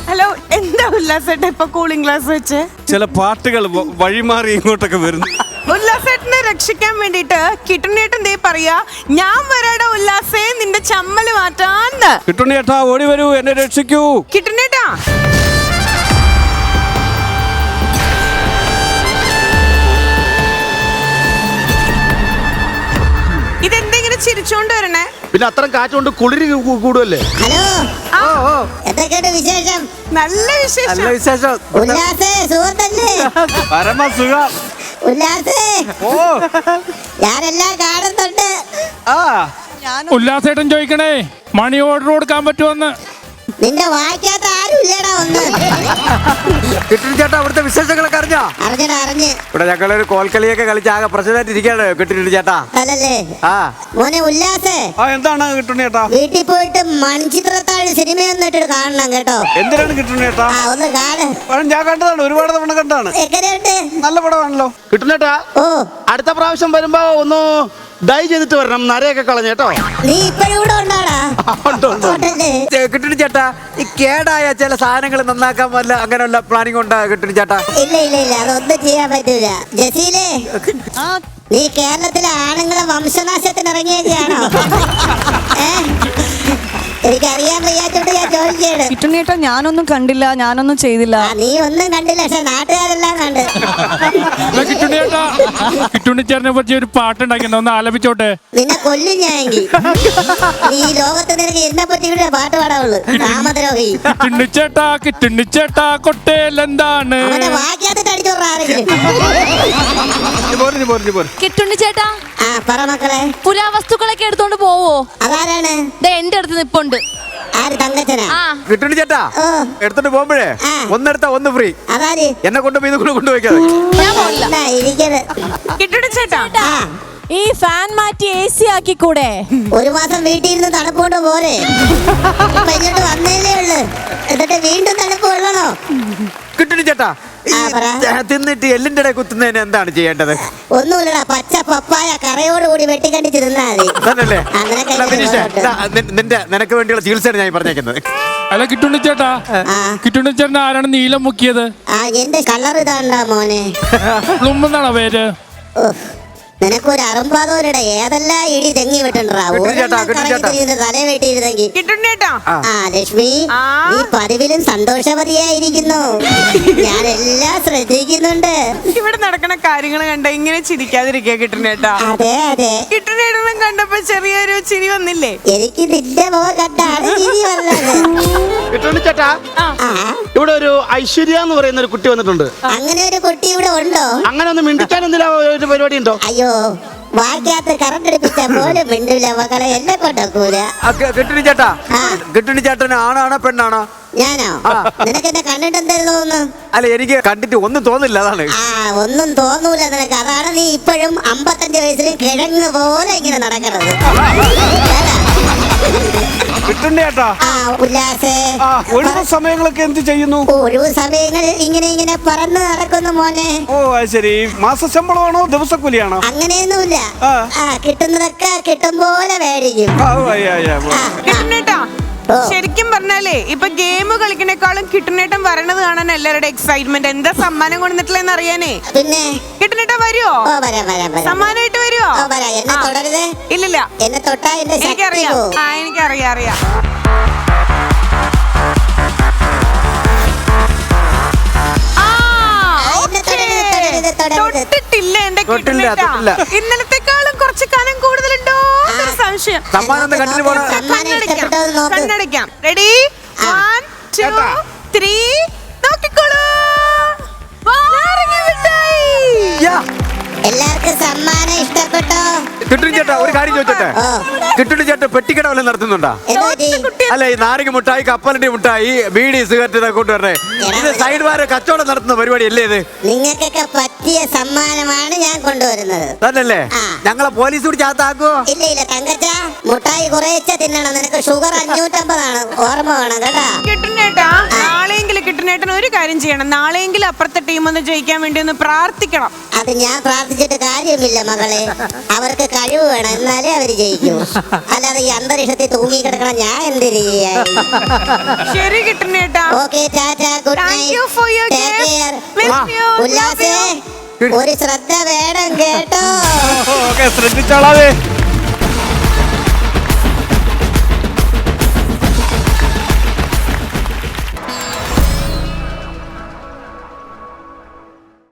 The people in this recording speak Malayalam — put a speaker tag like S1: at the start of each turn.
S1: ഹലോ, എന്താ ഉല്ലാസേട്ട ഇപ്പൊ കൂളിംഗ് ഗ്ലാസ് വെച്ച്?
S2: ചില പാട്ടുകൾ വഴിമാറി ഇങ്ങോട്ടൊക്കെ വരുന്നു.
S1: ഉല്ലാസേട്ടനെ രക്ഷിക്കാൻ വേണ്ടിട്ട് കിട്ടുണ്ണേട്ടൻ ദേ പറയാ, ഞാൻ വരാടാ ഉല്ലാസേ നിന്റെ ചമ്മല് മാറ്റാന്ന്.
S2: കിട്ടുണ്ണേട്ടാ ഓടി വരൂ, എന്നെ രക്ഷിക്കൂ.
S1: കിട്ടുണ്ണേട്ടാ ഇതെന്തെങ്കിലും ചിരിച്ചോണ്ട് വരണേ?
S3: പിന്നെ അത്രയും കാറ്റുകൊണ്ട് കുളിരി കൂടുമല്ലേ?
S4: ഹലോ, എന്തൊക്കെയുണ്ട് വിശേഷം?
S1: നല്ല വിശേഷം.
S2: വിശേഷം.
S4: ഉല്ലാസേ, സുഹൃത്തല്ലേ?
S2: പരമസുഖം.
S4: ഉല്ലാസേ,
S2: ഓ
S4: ഞാനെല്ലാം കാണുന്നുണ്ട്.
S5: ഉല്ലാസേട്ടൻ ചോദിക്കണേ, മണി ഓർഡർ കൊടുക്കാൻ പറ്റുമെന്ന്.
S4: നിന്റെ വായിക്കാത്ത ആരും ഇല്ലടാ ഒന്ന്.
S6: കിട്ടുണ്ണി ചേട്ടാ, അവിടുത്തെ വിശേഷങ്ങളൊക്കെ അറിഞ്ഞോ?
S4: അറിഞ്ഞ്
S6: ഇവിടെ ഞങ്ങളൊരു കോൽക്കളിയൊക്കെ കളിച്ച് ആകെ പ്രശ്നമായിട്ട് ഇരിക്കുകയാണ് കിട്ടുണ്ണി ചേട്ടാ.
S4: അല്ലല്ലേ
S6: ആ
S4: മോനെ ഉല്ലാസേ,
S2: എന്താണ് കിട്ടുണ്ണേട്ടാ?
S4: വീട്ടിൽ പോയിട്ട് മൺചിത്രത്താഴ് സിനിമയൊന്നും ഇട്ടിട്ട് കാണണം കേട്ടോ.
S2: എന്തിനാണ് കിട്ടുണ്ണേട്ടാ?
S4: ഒന്ന് കാണ്.
S2: ഞാൻ കണ്ടതാണ്, ഒരുപാട് തവണ കണ്ടാണ്.
S4: എങ്ങനെയുണ്ട്?
S2: നല്ല പടമാണല്ലോ.
S3: കിട്ടുന്നേട്ടാ,
S4: ഓ,
S3: അടുത്ത പ്രാവശ്യം വരുമ്പോ ഒന്ന് ഡൈ ചെയ്തിട്ട് വരണം, നരയൊക്കെ കളഞ്ഞേട്ടോ.
S4: നീ ഇപ്പഴും ഇവിടെ ഉണ്ടാടാ?
S6: കിട്ടുണ്ണി ചേട്ടാ, ഈ കേടായ ചില സാധനങ്ങൾ നന്നാക്കാൻ വല്ല അങ്ങനെയുള്ള പ്ലാനിങ് ഉണ്ടാ കിട്ടുണ്ണി ചേട്ടാ?
S4: ഇല്ല, അതൊന്നും ചെയ്യാൻ പറ്റൂല. ജസീലേ, നീ കേരളത്തിലെ ആണുങ്ങളെ വംശനാശത്തിന് ഇറങ്ങിയൊക്കെയാണോ? എനിക്കറിയാൻ വയ്യാത്തോണ്ട് ഞാൻ ചോദിക്കുകയാണ്.
S7: കിട്ടുണ്ണേട്ടാ, ഞാനൊന്നും കണ്ടില്ല, ഞാനൊന്നും ചെയ്തില്ല.
S4: നീ ഒന്നും കണ്ടില്ല, പക്ഷെ നാട്ടുകാരെല്ലാം കണ്ട്.
S5: കിട്ടുണ്ണിയേട്ടാ, കിട്ടുണ്ണിച്ചേട്ടനെ പറ്റി ഒരു പാട്ടുണ്ടാക്കിയ ഒന്ന് ആലപിച്ചോട്ടെ.
S4: നിന്നെ കൊല്ലും ഞാനെങ്കിൽ. നീ ലോകത്ത് നിനക്ക് എന്നെ പറ്റി കൂടെ പാട്ട് പാടാവുള്ളൂ. രാമദ്രോഹി.
S5: കിട്ടുണ്ണിച്ചേട്ടാ കൊട്ടേലെന്താണ്?
S4: അവനെ വാക്കിയാത്തിട്ട് അടിച്ചോറാരെങ്കിലും.
S7: കിട്ടുണ്ണിച്ചേട്ടാ,
S4: ആ പറ മക്കളെ.
S7: പുരാവസ്തുക്കളൊക്കെ എടുത്തോണ്ട് പോവോ?
S4: അതാരാണ്?
S7: എന്റെ അടുത്ത് നിപ്പുണ്ട്.
S4: ആര്? തങ്കച്ചനാ?
S6: കിട്ടുണ്ണി ചേട്ടാ, എടുത്തോണ്ട് പോകുമ്പോഴേ ഒന്നെടുത്താ ഒന്ന് ഫ്രീ.
S4: അതാര്?
S6: എന്നെ കൊണ്ടുപോയി ഇത് കൊണ്ടുപോയിക്കാതെ.
S7: ഞാൻ പോയില്ല.
S1: കിട്ടുണ്ണേട്ടാ,
S7: ഈ ഫാൻ മാറ്റി AC ആക്കി കൂടെ?
S4: ഒരു മാസം വീട്ടിൽ ഇരുന്ന് തണുപ്പ് കൊണ്ട് പോരെ. ഇപ്പൊ ഇങ്ങോട്ട് വന്നേലേ ഉള്ളു, എന്നിട്ട് വീണ്ടും തണുപ്പ് കൊള്ളണോ?
S6: കിട്ടുണ്ണി ചേട്ടാ, തിന്നിട്ട് എല്ലിന്റെ ഇടയിൽ കുത്തുന്നതിന് എന്താണ് ചെയ്യേണ്ടത്?
S4: ഒന്നുമില്ലടാ, പച്ച പപ്പായ കറയോടുകൂടി വെട്ടിക്കണ്ടിച്ച് തിന്നാ മതി.
S6: നിനക്ക് വേണ്ടിയുള്ള ചികിത്സയാണ് ഞാൻ പറഞ്ഞേക്കുന്നത്.
S5: അല്ല കിട്ടുണ്ണിച്ചേട്ടാ, കിട്ടുണ്ണിച്ചേട്ടൻ ആരാണ് നീലം മുക്കിയത്?
S4: എന്റെ കളർ ഇതാണ്ടാ മോനെ.
S5: പ്ലുമെന്നാണോ പേര്?
S4: നിനക്കൊരു അറുമ്പാതോരുടെ ഏതെല്ലാം ഇടി തെങ്ങി വിട്ടുണ്ടാ തല വെട്ടിയിരുന്നെങ്കിൽ.
S1: കിട്ടുണ്ണേട്ടാ,
S4: ലക്ഷ്മി, നീ പതിവിലും സന്തോഷവതിയായിരിക്കുന്നു. ഞാനെല്ലാം ശ്രദ്ധിക്കുന്നുണ്ട്.
S1: ഇവിടെ നടക്കുന്ന കാര്യങ്ങൾ കണ്ട ഇങ്ങനെ ചിരിക്കാതിരിക്കുക കിട്ടുണ്ണേട്ടാ.
S4: അതെ.
S1: കിട്ടുണ്ണേട്ടനും കണ്ടപ്പോ ചെറിയൊരു ചിരി വന്നില്ലേ?
S4: എനിക്ക് നിന്റെ മുഖം കണ്ടാണ് ചിരി വന്നത്.
S3: കിട്ടുണ്ണിച്ചേട്ടാ, ഇവിടെ ഒരു ഐശ്വര്യ എന്ന് പറയുന്ന ഒരു കുട്ടി വന്നിട്ടുണ്ട്.
S4: അങ്ങനെ ഒരു കുട്ടി ഇവിടെ ഉണ്ടോ? അങ്ങനെ
S3: ഒന്ന് മിണ്ടിക്കാൻ എന്തെങ്കിലും ഒരു പരിപാടി ഉണ്ടോ?
S4: അയ്യോ, വാക്കിയാത്ത് കറണ്ട് എടുപ്പിച്ച പോലും മിണ്ടില്ല മക്കളെ, എന്നെ കൊണ്ടൂല.
S6: കിട്ടുണ്ണി ചേട്ടാ, കിട്ടുണ്ണി ചേട്ടന് ആണാണോ പെണ്ണാണോ?
S4: ഞാനോ? നിനക്ക് എന്നെ കണ്ടിട്ട് എന്തായിരുന്നു തോന്നുന്നു?
S6: അല്ല, എനിക്ക് കണ്ടിട്ട് ഒന്നും തോന്നില്ല, അതാണ്.
S4: ഒന്നും തോന്നൂല നിനക്ക്. അതാണ് നീ ഇപ്പോഴും 55 വയസ്സിൽ കിഴങ്ങ് പോലെ ഇങ്ങനെ നടക്കണത്.
S2: കിട്ടുണ്ണേട്ടാ,
S4: ഉല്ലാസേ,
S2: ഒഴിവ് സമയങ്ങളൊക്കെ എന്ത് ചെയ്യുന്നു?
S4: ഒഴിവ് സമയങ്ങളിൽ ഇങ്ങനെ പറന്ന് നടക്കുന്നു മോനെ.
S2: ഓ ശരി. മാസശമ്പളമാണോ ദിവസക്കൂലിയാണോ?
S4: അങ്ങനെയൊന്നുമില്ല, കിട്ടുന്നതൊക്കെ കിട്ടും പോലെ മേടിക്കും.
S1: കിട്ടുണ്ണേട്ടാ, ശരിക്കും പറഞ്ഞാലേ ഇപ്പൊ ഗെയിം കളിക്കണേക്കാളും കിട്ടുണ്ണേട്ടൻ വരണത് കാണാൻ എല്ലാവരുടെ എക്സൈറ്റ്മെന്റ്. എന്താ സമ്മാനം കൊണ്ടുവന്നിട്ടില്ലെന്ന് അറിയാനേ.
S4: പിന്നെ
S1: കിട്ടുണ്ണേട്ടാ വരുവോ? സമ്മാനമായിട്ട് വരുവോ?
S4: എന്നെ തൊടരുത്.
S1: ഇല്ലില്ല,
S4: എന്നെ തൊട്ടാ എന്റെ
S1: എനിക്കറിയാം. എനിക്കറിയാം. തൊട്ടിട്ടില്ല എന്റെ കിട്ടുണ്ണേട്ടാ. ഇന്നലത്തെക്കാളും കുറച്ച് കാലം കൂടുതലുണ്ടോ സംശയം. കണ്ണടയ്ക്കാം. റെഡി, 1 2 3 നോക്കിക്കോളൂ.
S4: എല്ലാവർക്കും സമ്മാനം ഇഷ്ടപ്പെട്ടോ?
S6: കിട്ടുണ്ണി ചേട്ടാ, ഒരു കാര്യം ചോദിച്ചോട്ടെ? കിട്ടുണ്ണി ചേട്ടാ പെട്ടിക്കട വല്ലതും നടത്തുന്നുണ്ടോ? അല്ല, ഈ നാരങ്ങ മുട്ടായി, കപ്പലണ്ടി മുട്ടായി, ബീഡി, സിഗരറ്റ് ഇതൊക്കെ കൊണ്ടുവരണേ. ഇത് സൈഡ് വാര കച്ചവടം നടത്തുന്ന പരിപാടി അല്ലേ ഇത്?
S4: നിങ്ങൾക്കൊക്കെ പറ്റിയ സമ്മാനമാണ് ഞാൻ കൊണ്ടുവരുന്നത്.
S6: തന്നല്ലേ? ഞങ്ങളെ പോലീസ് കൂടി ചാത്താക്കുവോ?
S4: ഇല്ല തങ്കച്ച, മുട്ടായി കുറേച്ച തിന്നണം. നിനക്ക് ഷുഗർ 550 ആണ്, ഓർമ്മ വേണം കേട്ടാ.
S1: കിട്ടുണ്ണേട്ടാ, നാളെയെങ്കിലും കിട്ടുന്ന കിട്ടുന്നേട്ടൻ ഒരു കാര്യം ചെയ്യണം. നാളെയെങ്കിലും അപ്പുറത്തെ ടീം ഒന്ന് ജയിക്കാൻ വേണ്ടി ഒന്ന് പ്രാർത്ഥിക്കണം.
S4: അത് ഞാൻ പ്രാർത്ഥിച്ചിട്ട് കാര്യമില്ല മകളെ. അവർക്ക് കഴിവ് വേണം, എന്നാലേ അവര് ജയിക്കൂ. അല്ലാതെ ഈ അന്തരീക്ഷത്തിൽ തൂങ്ങി കിടക്കണം ഞാൻ എന്തിനു ചെയ്യാൻ.
S1: ശരി കിട്ടുന്നേട്ടാ.
S4: Okay, tata, good
S1: Thank you for your
S4: night.
S1: gift. Miss you.
S4: ഉല്ലാസേ, ഒരു ശ്രദ്ധ വേണം കേട്ടോ.
S2: ഓക്കെ, ശ്രദ്ധിച്ചോളാവേ.